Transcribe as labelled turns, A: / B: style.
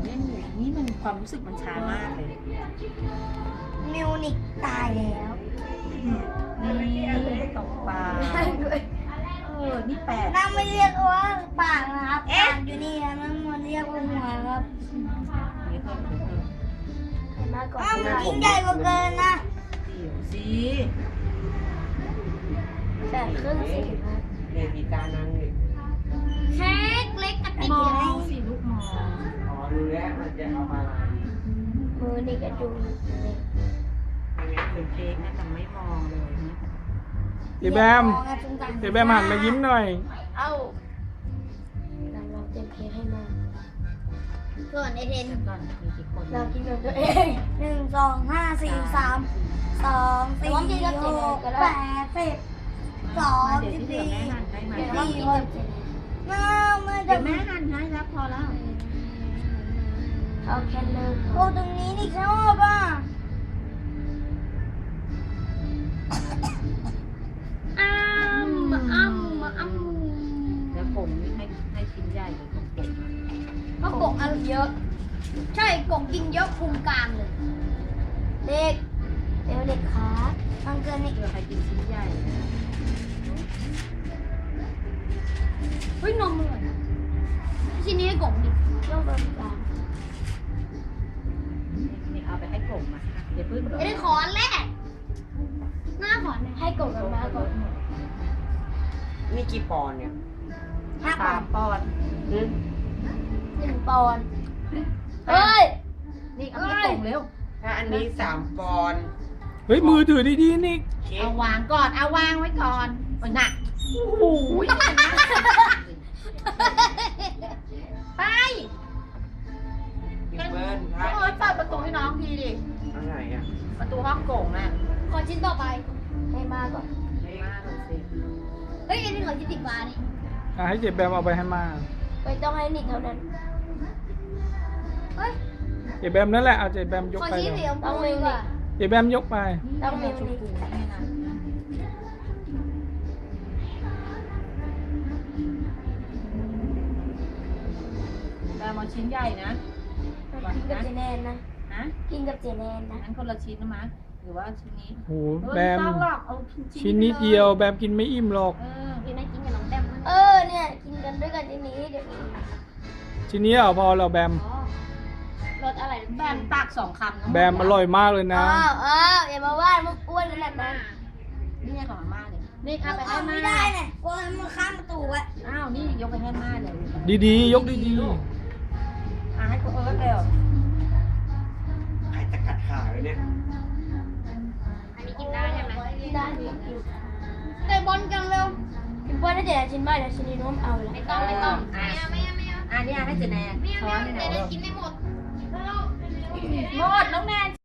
A: เล่นอยู่นี่มันความรู้สึกมันช้ามากเลย
B: มิวนิกตายแล้ว
A: นี่ตกปลานี่แปด
B: นั่งไม่เรียกว่าปากนะครับปากอยู่นี่นะนั่งมันเรียกว่าหัวครับอ้าวมันยิ่งใหญ่กว่าเกินนะ
A: เดี๋ยวสิ
B: แต่ครึ่งสิครับ
C: เนี่ยมีการนั่งนี่
B: เค้กเล็กกระติก
A: มอ
B: ใหญ่
A: งสิลูกมอง
C: อ๋อรู้แล้วมันจะเอามาอะไร
B: มือนี่กระจุง
A: เป็นเค้กนะแต่ไม่มองเลยนะ
D: เจ๊แบมเจ๊แบมหันมายิ้มหน่อย
B: เอ้าเราเตรียมเค้กให้แม่ส่วนไอเทน
A: ก่อนมีกี่คน
B: เรากินกับตัวเอง1 2 5 4 3 2 4 6 8 10 2
A: เดี๋ยวที่เหลือแม่หั่นให้ไหม
B: 14 คนน้าไม่
A: เดี๋ยวแม่หั่นให้แล้วพอแล้ว
B: เอาแค่เลิกโอ้ตรงนี้นี่ชอบอ่ะ
A: แล้วผมนี่ให้ชิ้นใหญ่เลยผม
B: เพราะกงอันเยอะ ใช่กงกินเยอะพุงกลางเลย เด็กเดี๋ยวเด็กขาบางเกินนี่
A: เผื่อใครกินชิ้นใหญ่
B: เฮ้ยนมเลยชิ้นนี้ให้กงดิยกตัวกลาง
A: นี่เอาไปให้กบมาเดี๋ยวพึ่ง
B: ไอ้ขอนแรกหน้าขอนให้กงกันมาก่อน
C: นี่กี่ปอนด์เนี่ย
A: 3 ปอนด์
B: 1 ปอนด์เฮ้ย
A: นี่เอาให้กบเร็ว
C: ถ้าอันนี้3 ปอนด์
D: เฮ้ยมือถือดีๆนี่
C: เค้
A: เอา
C: ก
A: วางก่อนเอาวางไว้ก่อนโอ้ยหนัก
D: โอ้โห
A: ไป
C: พี่เบิ้ล
A: โอ้ยเปิดประตูให้น้องทีดิ
C: อะไรอ่ะ
A: ประตูห้องโก่งน่ะ
B: ขอชิ้นต่อไปให้มาก่อน
A: มากเลยสิ
B: เฮ้ยอันนี้ขอชิ้นติดฟ้านี่
D: ให้เจ๊แบมเอาไปให้มา
B: ไม่ต้องให้นิดเท่านั้นเฮ้ย
D: เจ๊แบมนั่นแหละเอาเจ๊แบมยก
B: ขอ
D: ไป
B: ชิ้น
D: เลย
B: สีชมพูดีกว่า
D: เจ๊แบมยกไป
B: ต้องมี
A: ชมพูเนี่ยนะแต่มาชิ้นใหญ่นะ
B: กินกับเจแนนนะ
A: ฮะ
B: กินกับเจแนนนะ
A: งั้นคนละชิ้นนะมะหรือว่าชิ้นนี้
D: โหแบม
A: ไม่ต้องหรอกเอา
D: ชิ้นนิดเดียวแบมกินไม่อิ่มหรอก
A: พี่น่ากินกับน้องแต้มมั้ย
B: เนี่ยกินกันด้วยกันทีนี้เดี๋ยวนี้
D: ชิ้นนี้เอาพอเราแบม
B: รสอะไร
A: แบมตัก2 คำทั้งหมด
D: แบมอร่อยมากเลยนะ
B: อย่ามาว่ามึงอ้วนขนาดนั้น
A: นี่ไงของอาม่าเลยนี่เอาไปให้
B: ไม่
A: ม่า
B: ได้เนี่ยกลัวมันข้ามประตูอะ
A: อ้าวนี่ยกไปให้ม่าเลย
D: ดีๆ ยกดี
A: ให้กูเร็ว
C: ใครจะกัดขาเลยเนี่ย
A: อันนี้กินได้ใช่ไหม
B: ได้ดิเตะบอลกันเร็วกินบอลได้เดี๋ยวชิ้นใบเดี๋ยวชิ้นนี้น้องเอาเลย
A: ไม่ต้องไม่เอาอันนี้ให้เจแนนช้อนนี่นะ
B: กินไม่หมด
A: หมดน้องแนน